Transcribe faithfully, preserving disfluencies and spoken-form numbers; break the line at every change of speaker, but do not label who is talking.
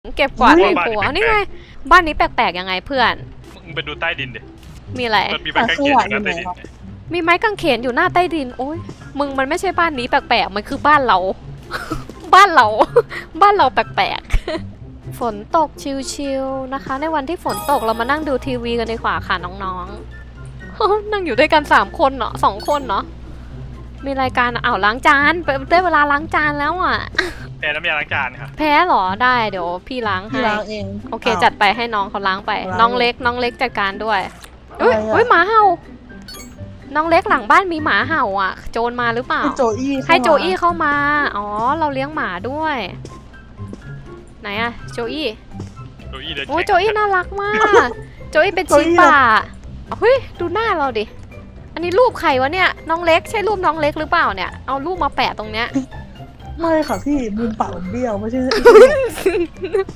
เก็บกวาดในครัวนี่ไงบ้านนี้แปลกๆยังไงเพื่อน
มึงไปดูใต้ดินดิ
มีอะไร
มันมีใบกางเขนอยู่นะใต้ดิน
มีไม้กางเขนอยู่หน้าใต้ดินโอ้ยมึงมันไม่ใช่บ้านนี้แปลกๆมันคือบ้านเรา บ้านเรา บ้านเราแปลกๆ ฝนตกชิลๆนะคะ ในวันที่ฝนตกเรามานั่งดูทีวีกันดีกว่าค่ะน้องๆ นั่งอยู่ด้วยกันสามคนเนาะสองคนเนาะมีรายการอ้าวล้างจานได้เวลาล้างจานแล้วอ่ะ
แพ้น้ำยาล้างจานค่ะ
แพ้เหรอได้เดี๋ยวพี่ล้างให้
พี่ล้างเอง
โอเคจัดไปให้น้องเขาล้างไป
ล้าง
น้องเล็กน้องเล็กจัดการด้วยอุ้ย
อะไรอะ
อุ้ยหมาเห่าน้องเล็กหลังบ้านมีหมาเห่าอ่ะ โจรมาหรือเปล่า
ให้โจอี้เข้ามา
ให้โจอี้เข้ามาอ๋อเราเลี้ยงหมาด้วย ไหนอะโจอี้
โจอี้เดิน
โอ้ย
แข่ง
โจอี้น่ารักมาก โจอี้เป็นชีป่าเฮ้ยดูหน้าเราดิอันนี้รูปใครวะเนี่ยน้องเล็กใช่รูปน้องเล็กหรือเปล่าเนี่ยเอารูปมาแปะตรงเนี้ย
ไม่ค่ะพี่มุมปากผมเบี้ยวไม่ใช่